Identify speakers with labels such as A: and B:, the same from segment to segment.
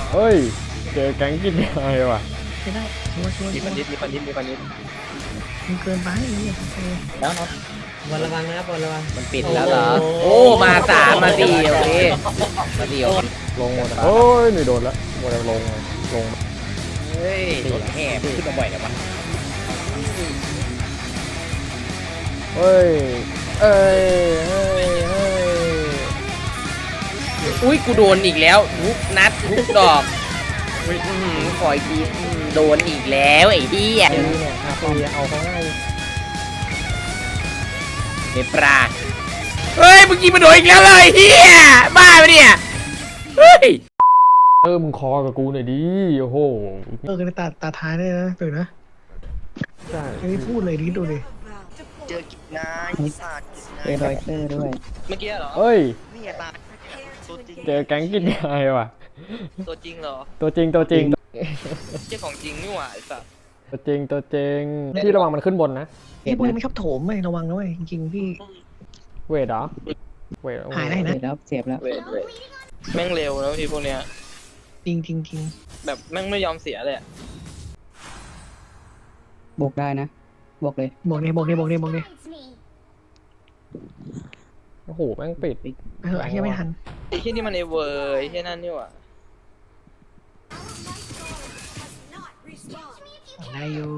A: เฮ้ยเจอแก๊งกินยาว่ะ
B: ไม่ได้ชัวร์
C: มีปันนิด
B: มันเกินไป
C: แล้วเนาะ
D: บอลระวังนะครับบอลระวัง
C: มันปิดแล้วเหรอโอ้มาสามมาสี่โอเคมาสี่โอเค
A: ลงหมดโอ้ยนี่โดนแล้วหมดแล้วลงลง
C: เฮ้ยรถแห่ขึ้นมาบ่อยแล้ววะ
A: เฮ้ยเอ้ยเฮ้ยเฮ้ย
C: อุ้ยกูโดนอีกแล้วทุกนัดทุกดอกขออีกทีโดนอีกแล้วไอ้เหี้ย
A: เนี่ยคาเฟ่เอาเขาง่าย
C: เนปลาเฮ้ยเมื่อกี้มาโดนอีกแล้วเลยเหี้ยบ้าไปเนี่ยเฮ้ย
A: มึงคอกับกูหน่อยดิโอ้โห
B: กันตาท้ายได้นะตื่นนะ
A: ใช่
B: ไม่พูดเลยดิดูดิ
E: เจอกิจนายกิจศาสตร์กิจนาย
D: เจอรอยเตอร์ด้วย
E: เมื่อกี้เหรอ
A: เฮ้ย
E: นี่ตายตัวจริง
A: เจอแก๊งกินยาว่ะ
E: ตัวจริงเหรอ
A: ตัวจริงตัวจริง
E: เจ้าของจริงนี่หว่าไอ้สัส
A: ตัวจริงตัวจริงพี่ระวังมันขึ้นบนนะ
B: พี่มันไม่ชอบโถมเลยระวังนะเว้ยจริงๆพี่
A: เวทเหรอเวท
B: หายได้นะ
D: เจ็บแล้วเจ็บแล้ว
E: เวทแม่งเร็วแล้วทีพวกเนี้ย
B: จริงจริงจริง
E: แบบแม่งไม่ยอมเสียเลยอะ
D: บวกได้นะบวกเลย
B: บอกเนี่ย
A: โอ้โหแม่งปิด
B: เออไอ้เหี้ยไม่ทัน
E: ไอ้ที่นี่มันเอเวอร์ไอ้ที่นั่นนี่หว่า
B: ได้อยู่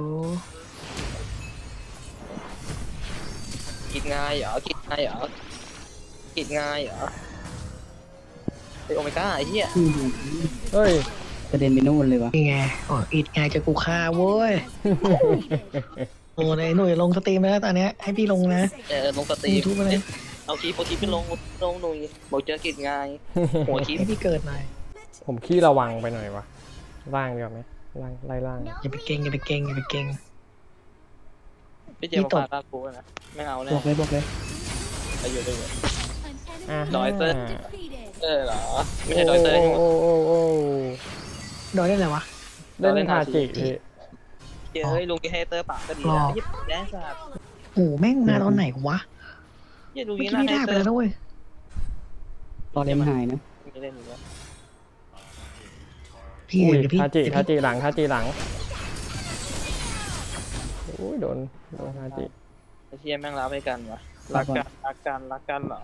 E: กิจง่ายเหรอกิจง่ายเหรอกิจง่ายเหรอไอโอเมก้าไอ้เหี้ย
A: เฮ้ย
D: กระเด็นไปนู่นเลยวะ
B: นี่ไงอ๋ออิดไงจะกูฆ่าเว้ยโอ้ยหนุ่ยลงสตรีมแล้วตอนเนี้ยให้พี่ลงนะ
E: ลงสตรีม
B: YouTube อะไร
E: เอาคลิปไปลงหนุ่ยบอกเจอกิจง่ายหัวคลิป
B: ให้พี่เกิดหน่อย
A: ผมขี้ระวังไปหน่อยวะล่างดีกว่าไหมล่างไล่ล่าง
B: อย่าไปเก่ง
E: พี่เจมส์มาฟาดกูนะไม่เอาแน่
D: บวกเลยบวกเลย
E: ไปอยู่ด้วย
A: อ่ะ
E: ดอยเตอร์ เหรอไม่ใช่ดอยเตอร์ใช่ไหม
A: โอ้โอ้โอ้
B: ดอยได้ไรวะ
A: เล่นทาจิพี่
E: เฮ้ยลุงกีให้เตอร์ปากก็ดีนะยิบแดนสัตว์
B: โอ้แม่งมาตอนไหนวะ
E: ยี่ลุง
B: เมื่อ
E: กี
B: กี้
E: น่า
B: ไม่
E: ให้
B: ได้ไป
E: เตอร์
B: แล้วด้วย
D: รอเล่นหายนะ
E: ไม่เล่นอยู่แล้ว
B: พี่
A: อุ้ย
B: เดี๋ยวพี่
A: ทาจิหลังทาจิหลังโอ้ยโดนทาจิ
E: ไอ้เชี่ยแม่งรับให้กันวะรักกันเหรอ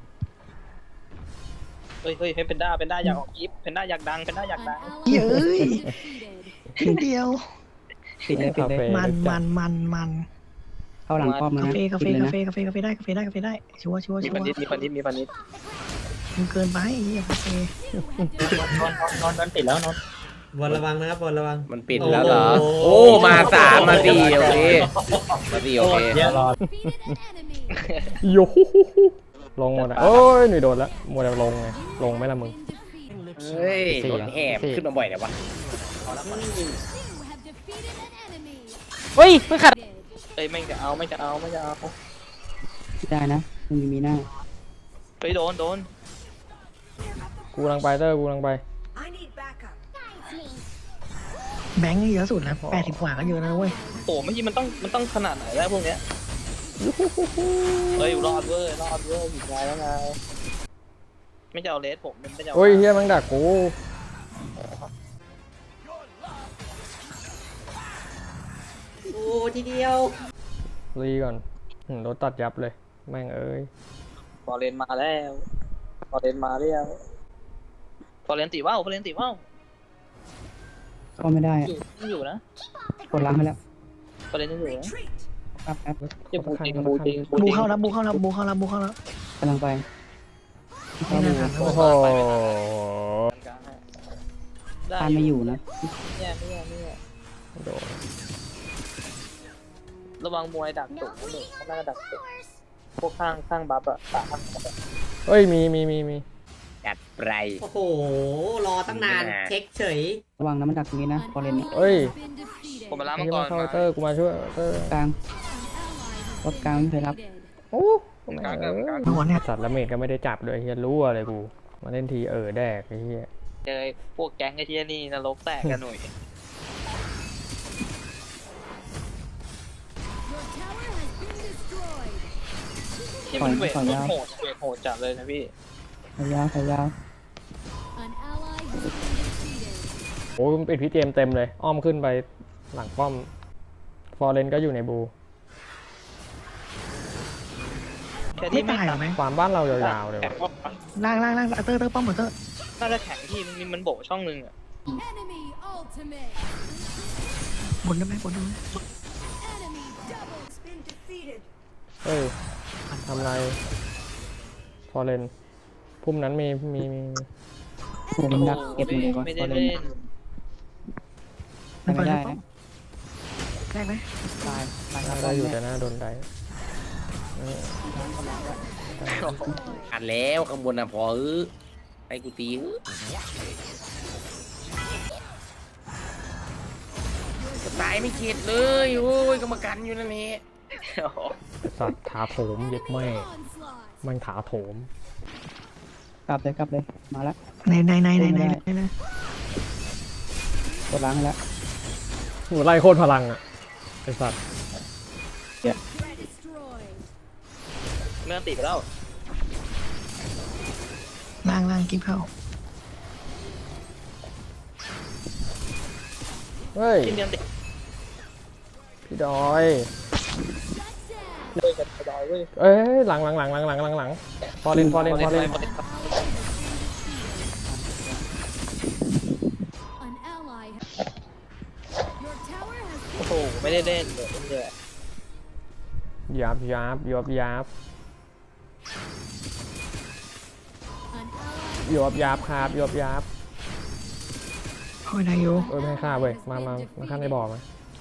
E: เฮ้ยเพนด้าอยากออกยิปเพนด้าอยากดัง
B: เย้ยเดียว
D: ปิดเลยปิดเลย
B: มัน
D: เข้าหลังป้อมนะ
B: กาแฟ
D: ปิดเลยนะ
B: ได้ชัวร์
E: มีปันนิด
B: มันเกินไปไอ้เหี้ยกาแฟ
E: นอนติดแล้วนอน
D: บอลระวังนะครับบอลระวัง
C: มันปิดแล้วเหรอโอ้มาสามมาสี่โอเคมาสี่โอเค
A: โยลงหมดอ่ะโอ้ยนี่โดนแล้วหมดแล้วลงไงลงไหมล่ะมึง
C: เฮ้ยรถแห่ขึ้นมาบ่อยแล้ววะ
A: เฮ้ยไม่ขัด
E: เฮ้ยแม่งจะเอา
D: ได้นะมีหน้า
E: เฮ้ยโดน
A: กูกำลังไปเตอร์กูกำลังไป
B: แบงค์เยอะสุดแล้ว80 กว่าก็เยอะนะเว้ย
E: โอ้ไม่ใช่มันต้องขนาดไหนแล้วพวกเนี้ยเฮ้ยรอดเว้ยผิดใจแล้วไงไม่จะเอาเลสผมไม่จะเอา
A: โอ้ยเฮียแมังดักกู
D: โอ้ทีเดียว
A: รีก่อนรถตัดยับเลยแม่งเอ้ย
E: ฟอร์เรนมาแล้วฟอร์เรนตีว่าว
D: เข้าไม่ได้
E: อยู่นะ
D: กดล้างไปแล้ว
E: ฟอร์เรนยังอยู่นะ
D: ครับครับ
E: เจ็บบูจริง
B: บูเข้าแล้ว
D: กำลังไป
B: ไม่น่าทัน
A: โอ้โห
E: ได้
D: ตามไม่อยู่นะ
E: เนี่ย
A: โดน
E: ระวังมวยดักตุกหนึ่งเขาน่าจะดักตุกพวกข้างบัฟอะตาข้างบัฟอะ
A: เฮ้ยมี
C: จัดไป
F: โอ้โห รอตั้งนาน เช็คเฉย
D: ระวังนะมันดักตรงนี้นะพอเล่น
A: เฮ้ย
E: ผมมาล้าง
A: ไอ้
E: มัง
A: เหี้ย
E: ก
A: มาร เข้าเตอร์กูมาช่วยเตอร์
D: กลางรถกลางไม่เคยรับ
A: โอ้แม่งเอ้ย
B: หัวเนี่ย
A: สัตว์ละเมดก็ไม่ได้จับเลยเฮียรู้อะไรกูมาเล่นทีแดกไอ้เฮีย
E: เจอพวกแก๊งไอ้ที่นี่นรกแตกกันหน่อยที่มันเวทโหดจัดเลยนะพี่
D: ถอยยาว
A: อ้ยมันปิดพี่เจมส์เต็มเลย อ้อมขึ้นไปหลังป้อม ฟอร์เรนก็อยู่ในบู
E: แค่
B: ไม่
E: ที่ไม่
B: ตายเหรอแม่ง
A: ฟาร์มบ้านเรายาวๆเลย
E: แข็ง
A: ว่ะ
E: ว่า
B: ล่างเตอร์ป้อมหมดเตอร์
E: น่าจะแข็งที่มันโบกช่องนึงอ่ะ
G: Enemy ultimate.
B: บนได้ไหมบนได้ไหม
G: Enemy double. Been defeated.
A: เฮ้ยทำไรฟอร์เรนพุ่มนั้นมี
D: ผมดักเก็บหมดเลยก่อน
E: ไม่
D: ฟอ
E: ได้
D: ร์เรน
E: เล่น
D: ไม่ได้นะ
B: ได้ไหม
D: ตายตาย
A: ได้อยู่แต่หน้าโดนได้
C: อัดแล้วข้างบนน่ะพอให้กูตีจะตายไม่เข็ดเลยโอ้ยกรรมการอยู่นั่นแหละ
A: สัตว์ถาโถมเย็ดแม่
G: Onslaught.
A: มันถาโถม
D: กลับเลยมาแล้ว
B: ใน
D: กดล้างให้แล้ว
A: หนูไล่โคตรพลังอ่ะไอสัตว์
G: Destroyed.
E: ไม่ต้องติดไปแล้ว
B: ล่างกิ๊บเข้า
A: เฮ้ย
E: ทีมเดียวติด
A: พี่ดอย
E: เลยกับดอยเว้ย
A: เอ้ยหลังฟอร์เรน
E: พอเล่น
G: An ally has. Your tower has
E: โอ้โหไม่ได้เล่นเลยเลย
A: ยับ
G: an ally.
A: ยับครับยับ
B: โอ้ยนายโย
A: เอ้ยไม่ให้ฆ่าเว้ยมาฆ่าในบ่อมา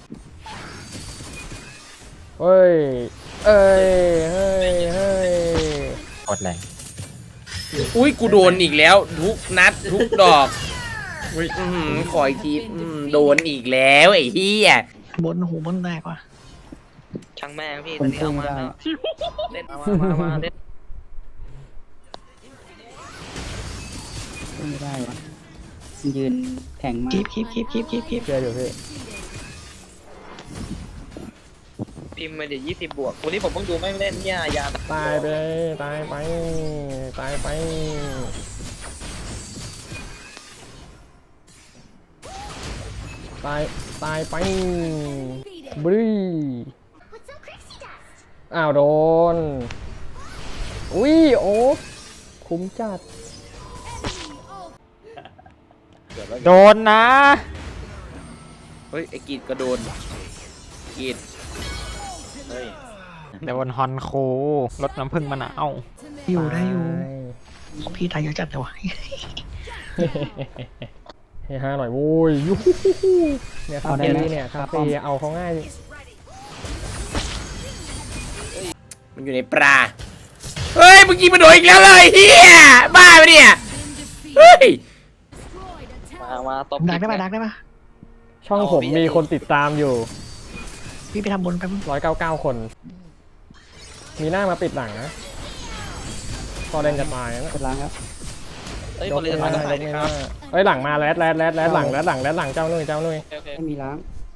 A: เฮ้ยเฮ้ย
H: กดแรง
C: อุ้ยกูโดนอีกแล้วทุกนัดทุกดอกขออีกทีโดนอีกแล้วไอ้เหี้ย
B: บนหูบนแตกว่ะ
E: ช่างแม่งพี่
D: ค
E: ตอน นนี้
D: สู้
E: เอา
D: ไม่
E: มา
D: ได้
E: เล่นมาเล่น
D: สู้ไม่ได้วะยืนแข็งมาก
B: กิ๊บ
A: เชื่ออยู่พี่
E: พิมพ์มาเดี๋ยว20 บวกวันนี้ผมเพิ่งดูไม่เล่นเนี่ยยา
A: ตายไปตายไปบรีอ้าวโดนอุ้ยโอ๊คคุ้มจัด โดนนะ
C: เฮ้ยไอ้กีดก็โดนกีด
H: โดนฮอนโครถน้ำผึ้งมะนาว
B: อยู่ได้อยู่พี่ตายเยอะจัดเลยวะ
A: เฮ้ย5หน่อยโว้ยยูเนี่ยคาเฟ่เนี่ยคาเฟ่เอาเขาง่าย
C: มันอยู่ในปลาเฮ้ยเมื่อกี้มันโดนอีกแล้วเลยเฮียบ้าไปเนี่ยเฮ้ย
E: มาตบ
B: ดักได้ปะ
A: ช่องผมมีคนติดตามอยู่
B: พี่ไปทำบนไปมึง
A: 199 คน มีหน้ามาปิดหลังนะพอเล่นจะตายนะ
D: กดล้างแล้ว
E: เอ้ย
A: ย
E: ค
A: ก
E: นเล่น
A: ไม่
E: มา
A: ได้
E: ก็
A: ย
E: ใส่
A: กไม่
E: ค
A: ได้
E: รับ
A: เอ้ยหลังมาแรดหลังเจ้าหนุ่ย
E: โอเค
D: ไม่มีล้าง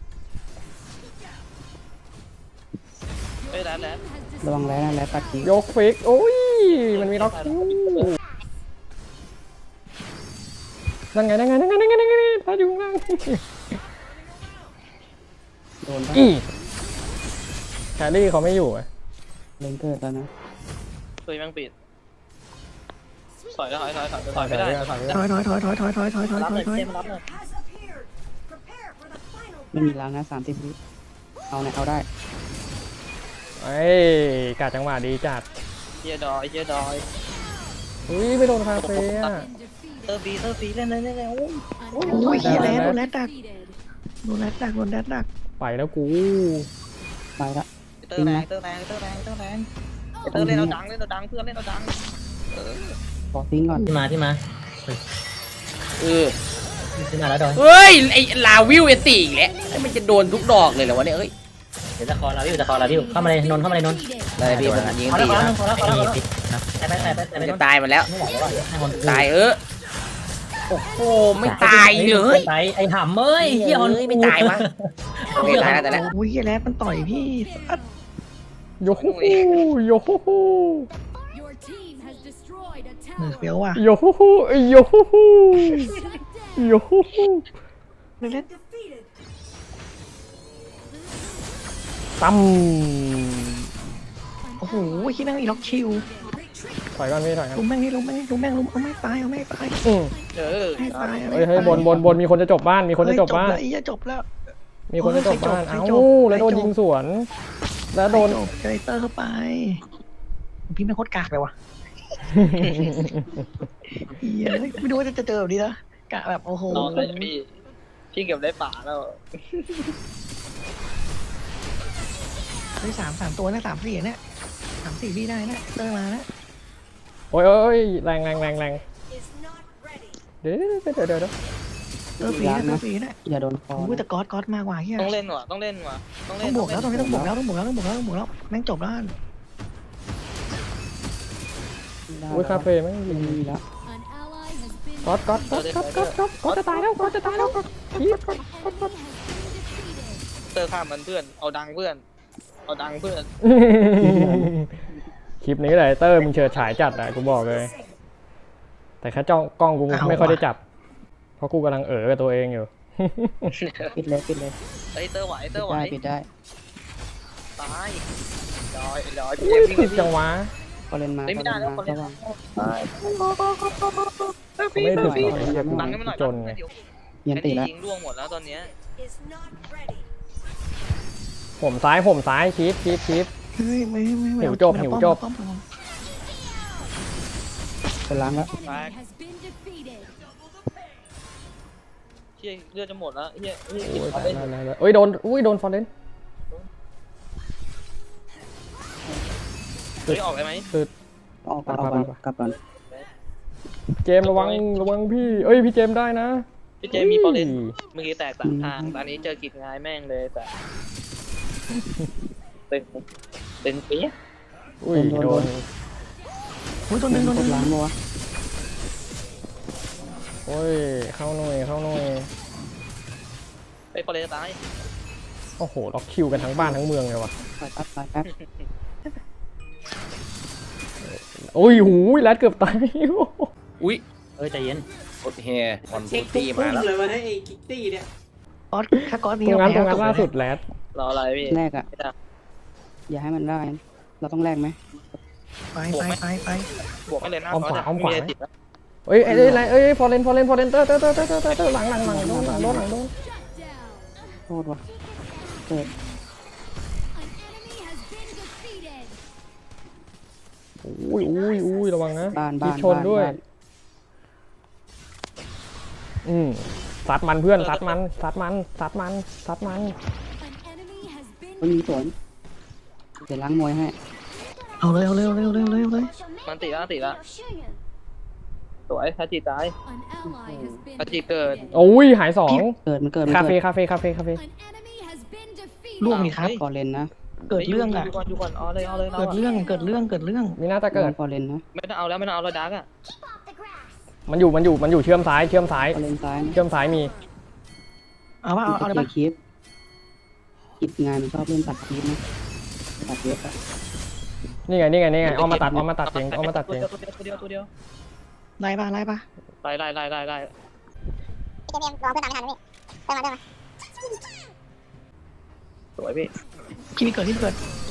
E: เฮ้ยแล้ว
D: ระวังแล้วนะแล้วตัดทิ้ง
A: ยกฟิกโอ้ยมันมีล็อกคู่นั่นไงถ้าอยู่ข้างล่าง
D: โดนปะ
A: อีแครี่เขาไม่อยู่อ่ะ
D: เลนเกิดแล้วนะ
E: เคยแม่งปิดถอยไม่ได้
B: ถอย
E: รับเลยเจมรับเลย
D: ไม่มีล้างนะ30 วิเอาเนี่ยเอาได้
A: เอ้ยกาจังหวะดีจัด
E: เฮียดอย
A: อุ้ยไม่โดนคาเฟ่อะ
E: เตอร์ฟีเล่นเลย
B: โอ้ยเฮียแล้วโดนแรดดักโดนแรดดัก
A: ไปแล้วกู
D: ไปละ
E: เตอร์แรงเตอร์เล่นเราดังเพื่อนเล่นเราดัง
D: ขอทิ้งก่อน
H: ที่มา
C: เออ
H: ที่มาแล้วดอย
C: เฮ้ยไอ้ลาวิวเอติอีกแล้วมันจะโดนทุกดอกเลยเหรอวะเนี่ยเฮ้ย
H: เดี๋ยวจะคอลาวิวเข้ามาเลยนนเข้ามาเลยนน
C: ได้พี่ผมยิง
H: พอ
C: ตี
H: แล้ว
C: นะ
H: พอแล้วปิดนะแต่
C: มันจะตายมาแล้ว
H: ไม่ไหวแล้วให้คน
C: ตายโอ้โหไม่ตายเลย
H: ตายไอ้ห่ำเอ้ย
C: เฮียไม่ตายวะโอเคตายแล้วแต่ละ
B: โอ้ยเฮียแรดมันต่อยพี่
A: โยฮูโยฮู
G: Your team has destroyed a
B: มือ
G: tower.
B: เฟี้ยวว่ะ
A: โยฮูโยฮูโยฮู
B: เล่น
G: defeated.
A: ตั้ม
B: โอ้โหขี้แม่งอีล็อกคิว
A: ถอยก่อนพี่ถอยก่อน
B: ลุมแม่งนี่ลุมแม่งนี่ลุมแม่งลุมเอาไม่ตายเอาไม่ตาย
A: อืม
E: เออ
B: ไม่ตาย
A: เฮ้ยบนมีคนจะจบบ้านมีคนจะจบบ้าน
B: เฮ้ยจบแล้ว
A: มีคนจะจบบ้าน
B: ใคร
A: เอ้า
B: จบ
A: แล้วโดน
B: ใครจบ
A: ยิงสวน แล้วโดน
B: จบเจเตอร์เข้าไปพี่ไม่งโคตรกากเลยวะเหี้ยไม่รู้ว่าจะเจอแบบนี้นะกะแบบโอ้โห
E: รอเลยพี่เก็บได้ป่าแล้ว
B: เฮ้ยสามตัวนะ3-4เนี่ย3-4พี่ได้นะเตอร์มานะ
A: โอ้ยแรงเดี๋ยว
B: เตอร์ฟรีนะเตอร์ฟรีนะ
D: อย่าโดนคอ
B: โอ้ยแต่ก๊อตมากกว่าเฮีย
E: ต้องเล่นว่ะต้องเล่นว่ะต้องเล่
B: ต้
E: น
B: องบวกแล้วตรงนี้ต้องบวกแล้วแม่งจบแล้ว
A: อุ้ยคาเฟ่ไม่ยิง
D: มีแล้ว
G: An ally has been
A: ก๊อตจะตายแล้วก๊อตคีบ
G: defeated.
E: เตอร์ข้ามมันเพื่อนเอาดังเพื่อนเอาดังเพื่อน
A: คลิปนี้แหละเตอร์มึงเฉิดฉายจัดอะกูบอกเลย แต่แค่จ้องกล้องกูไม่ค่อยได้จับ เพราะกูกำลังกับตัวเองอยู่
D: ปิดเลยปิดเลย
E: เฮ้ยเตอร์ไหวเตอร์ไหว
D: ปิดได้
E: ตายลอย
A: อุ้ยติดจังหวะ
D: พอเล่นมา
E: ไม่ได้แล้วคนเล่น
D: ระวัง
E: ตาย
A: ไม่ถึง
D: พี่
A: เรียก
E: ดังให้มันหน่อย
A: จนไง
D: เย็นตีแล้ว
E: ยิงร่วงหมดแล้วตอนเนี้ย
A: ผมซ้ายคีบ
B: เฮ้ยไม่
A: หิวจบ
B: ป้อม
D: เป็นล้างแล้ว
G: Enemy has been defeated.
E: เฮียเลือดจะหมดแล้วเฮีย
A: โอ้ยโดนฟอร์เรน
E: เฮ้ยออกได้ไหม
D: ออกก่อนกลับก่อน
A: เจมส์ระวังพี่พี่เจมส์ได้นะ
E: พี่เจมีพอเล่นเมื่อกี้แตก3 ทางตอนนี้เจอกิจงายแม่งเลยแต่เป็นปี๊ยะ
A: อุ้ยโดน
B: โอ้ยตัวนึง
D: กดล้างมัว
A: โอ้ยเข้าหน่อย
E: ไอ้พอเล่นตาย
A: โอ้โหล็อกคิวกันทั้งบ้านทั้งเมืองเลยว่ะ
D: ปล่อยแป๊บ
A: โอ้ยหูยแรดเกือบตาย
C: อุ้ย
H: ใจเย็น
C: กดแฮคอน
F: เช็ค
C: ตี
F: พุ่
C: มาง แล้ว
F: เลยวะไอ้คิกตี้เนี่ย
B: ก๊อตถ้าก๊อต
A: ต
B: นี้
A: รงนั้นล่าสุดแรด
E: รออะไรพี่
D: แรกอ่ะอย่าให้มันได้เราต้องแลกไหม
B: ไป
E: บวกไม่เลยนะติดแล้ว
A: เอ้ยฟอร์เรนเตอร์หลังโดน
G: Shut down.
D: โทษว่ะเกิด
G: An enemy has been defeated.
A: อุ้ยระวังนะ
D: บ้าน
A: มีชนด้วย ซัดมันเพื่อนซัดมัน
G: An enemy has been
D: มันมีสวนเดี๋ยวล้างมวยให้
B: เอาเลย
E: มันติดแล้วสวยทาจิตาย
G: an ally has been
E: ทาจิเกิด
A: โอ้ยหาย2
D: มันเกิด
A: คาเฟ่
G: An enemy has been defeated.
B: ล่วงนี่ครับ
D: พอเล่นนะ
B: เกิดเรื่องอ่ะ
E: ดูก่อนเอาเลย
B: เกิดเรื่อง
A: มีน่าจะเกิด
D: พอเล่นนะ
E: ไม่ต้องเอาแล้วไม่ต้องเอาแล้วดักอ่ะ
A: มันอยู่เชื่อมซ้าย
D: พอเล่นซ้ายนะ
A: เชื่อมซ้ายมี
B: เอาเลยปะ
D: คลิปกิจงานมันชอบเล่นตัดคลิปนะตัดเยอะอะ
A: นี่ไงเอามาตัดเอง
E: ตัวเดียว
B: ไล่ปะ
E: ไล่
I: เจมส์รอเพื่อนตามไม่ทันนี่เติมมา
E: สวยพี่
B: ที่เกิด
G: An enemy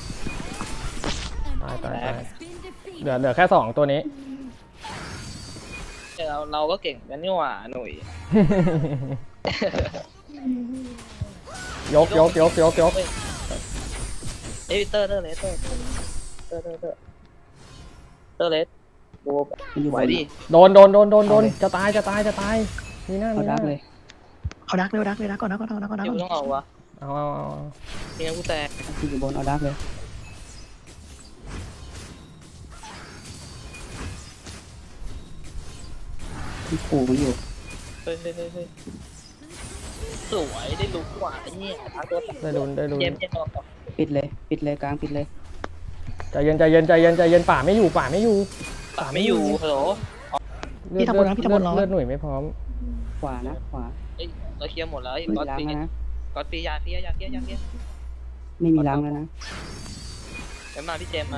A: ตาย
G: has been defeated.
A: เหลือแค่2ตัวนี้
E: เราก็เก่งกันนี่หว่าหนุ่ย
A: ยก
E: เอ้ยเตอร์เลสดู
D: มันอยู่
E: ไห
D: บ
E: วน ดิ
A: โดนจะตายมีหน้า
D: เอาดักเลย
B: เอาดักก่อน
E: เดี๋ยวต้องเอาวะ
A: เอา
E: นี่งั้นกูแตก
D: ที่อยู่บนเอาดักเลยที่ขู่มันอยู่
E: เฮ้ยสวยได้ลุกกว่าไอ้เนี่ยทางตัว
A: ได้ลุ้น
E: เจมออก
D: ปิดเลยกลางปิดเลย
A: ใจเย็นป่าไม่อยู่
E: ป่าไม่อยู่ฮัลโหล
A: เลือดหน่วยไม่พร้อม
D: ขวานะขวา
E: เฮ้ยเราเคลียร์หมดแล้ว
D: ไม่
E: ก๊อต
D: ล้าง
E: ปี
D: แล้วนะ
E: ก๊อตปียาเฟีย
D: ไม่มีล้างแล้วนะ
E: เดี๋ยวมาพี่เจมมา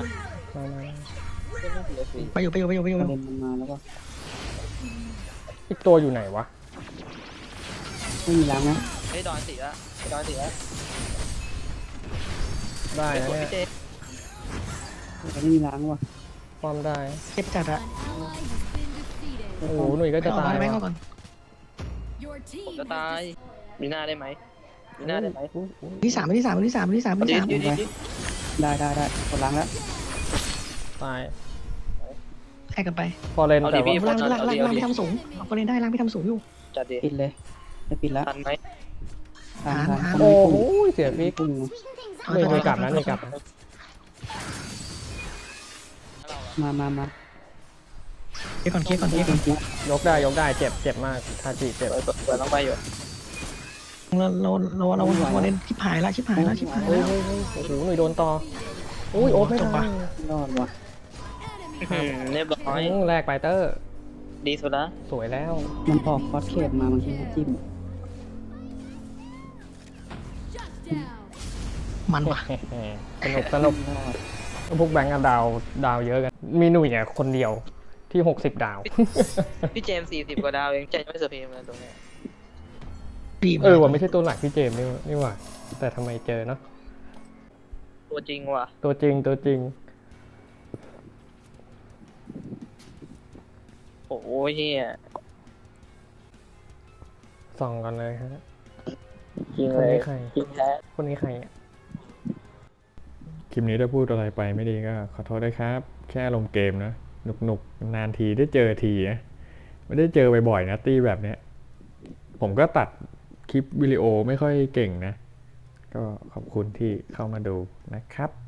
B: ไปอยู่
D: ประเด็นมันมาแล้วก็
A: อีกตัวอยู่ไหนวะ
D: ไม่มีล้างนะ
E: เฮ้ยดอนสีละดอนสีละ
A: ได้นะ
E: พี่
A: เนี่ย
E: เจ
D: ไม่มีล้างว่ะ
A: ป้อมได้
B: เจ็บจัดอะ
G: An ally has been defeated.
A: โอ้โหหนุ่ยก็จะ
B: เอา
A: ตาย
B: ก่อนไหม
A: ว่ะ
B: เอาก่อน
G: Your team
E: ผมจะ
G: has
E: ตาย มีหน้าได้ไหมมีหน้าได้ไหม
B: ที่สามที่สามที่สามที่สามที่
E: ดี
B: สาม
E: ดีดี
D: ได้กดล้างแล้ว
A: ตาย
B: แข่งกันไป
A: พอเล่น
E: เอา
A: แต่
E: ดิ
A: ว่า
E: พี่
B: ล่างพี่ทำสูงเอาก็เล่นได้ล่างพี่ทำสูงอยู่
E: จัดดิ
D: ปิดเลยจะปิดแล้ว
E: ทันไหม
D: ทาง
B: หา
A: โอ้โหเสียฟิก
D: พุ่ง
A: หนุ่ยหนุ่ยกลับนะหนุ่ยกลับนะ
D: มา
B: เคลียร์ก่อนเคลียร์ก่อนเคลียร์ก่อน
A: ยกได้เจ็บมากทาจิเจ็บ
E: เปิดต้องไปอยู่
B: เราเล่นชิบหายละ
A: เฮ้ยโอ้โหหนุ่ยโดนต่ออุ้ยโอ๊ตไม่ทัน
D: รอดว่ะ
E: เรียบร้อย
A: แลกไปเตอร์
E: ดีสุดละ
A: สวยแล้ว
D: มันออกคอสเคปมาบางทีจิ้ม
G: shut down.
B: มันว่ะ
A: สนุกพวกแบงก์อะดาวเยอะกัน มีหนุ่ยอ่ะคนเดียวที่60 ดาว
E: พี่เจมส์40 กว่าดาวเองเจมส์ไม่เซอร์เพย์เลยตรงนี้
B: ดี
A: ว่าไม่ใช่ตัวหลักพี่เจมส์นี่หว่าแต่ทำไมเจอเนาะ
E: ตัวจริงว่ะ
A: ตัวจริง
E: โอ้ยเฮีย
A: ส่องกันเลยฮะ
E: จริง
A: คน
E: เลย
A: นี้ใคร
E: จริงแท้
A: คนนี้ใครอ่ะคลิปนี้ถ้าพูดอะไรไปไม่ดีก็ขอโทษด้วยครับ แค่ลงเกมนะหนุกนานทีได้เจอทีนะไม่ได้เจอบ่อยๆนะตีแบบเนี้ยผมก็ตัดคลิปวิดีโอไม่ค่อยเก่งนะ ก็ขอบคุณที่เข้ามาดูนะครับ